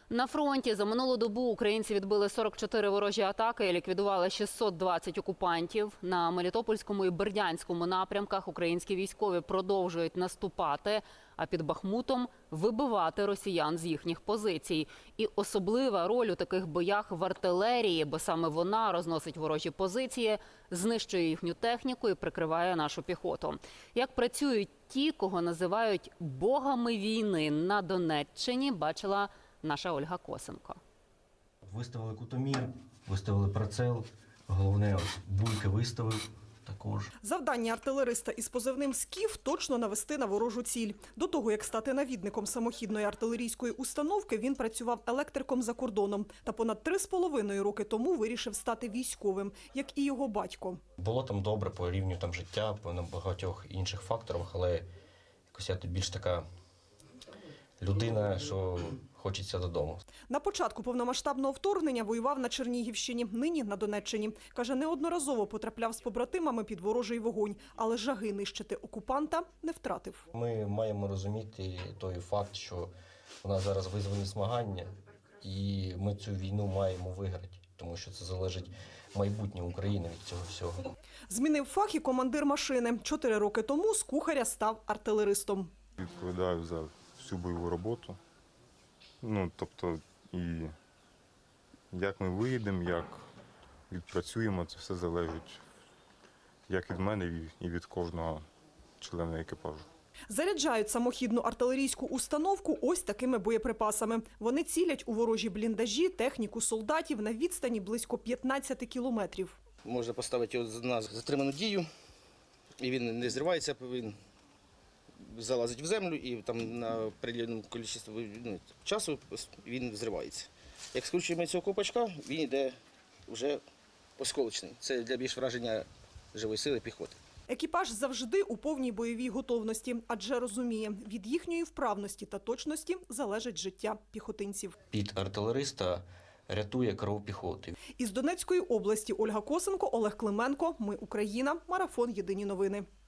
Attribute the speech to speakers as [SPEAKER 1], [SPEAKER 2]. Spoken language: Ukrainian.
[SPEAKER 1] На фронті за минулу добу українці відбили 44 ворожі атаки і ліквідували 620 окупантів. На Мелітопольському і Бердянському напрямках українські військові продовжують наступати, а під Бахмутом вибивати росіян з їхніх позицій. І особлива роль у таких боях в артилерії, бо саме вона розносить ворожі позиції, знищує їхню техніку і прикриває нашу піхоту. Як працюють ті, кого називають богами війни на Донеччині, бачила наша Ольга Косенко.
[SPEAKER 2] Виставили кутомір, виставили прицел, головне бульки виставив також.
[SPEAKER 3] Завдання артилериста із позивним «Скіф» – точно навести на ворожу ціль. До того, як стати навідником самохідної артилерійської установки, він працював електриком за кордоном. Та понад 3,5 роки тому вирішив стати військовим, як і його батько.
[SPEAKER 2] Було там добре по рівню життя, по багатьох інших факторах, але якось я тут більш така людина, що хочеться додому.
[SPEAKER 3] На початку повномасштабного вторгнення воював на Чернігівщині, нині на Донеччині. Каже, неодноразово потрапляв з побратимами під ворожий вогонь, але жаги нищити окупанта не втратив.
[SPEAKER 2] Ми маємо розуміти той факт, що у нас зараз визвані змагання, і ми цю війну маємо виграти, тому що це залежить майбутнє України від цього всього.
[SPEAKER 3] Змінив фах і командир машини. 4 роки тому з кухаря став артилеристом.
[SPEAKER 4] Відповідаю за всю бойову роботу. Тобто, і як ми виїдемо, як відпрацюємо, це все залежить як від мене і від кожного члена екіпажу.
[SPEAKER 3] Заряджають самохідну артилерійську установку ось такими боєприпасами. Вони цілять у ворожі бліндажі, техніку солдатів на відстані близько 15 кілометрів.
[SPEAKER 5] Можна поставити його на затриману дію, і він не зривається, він залазить в землю і там на определеному кількості часу він зривається. Як скручуємо цього ковпачка, він йде вже осколочний. Це для більш враження живої сили піхоти.
[SPEAKER 3] Екіпаж завжди у повній бойовій готовності, адже розуміє, від їхньої вправності та точності залежить життя піхотинців.
[SPEAKER 2] Під артилериста рятує кров піхоти.
[SPEAKER 3] Із Донецької області Ольга Косенко, Олег Клименко. Ми Україна. Марафон. Єдині новини.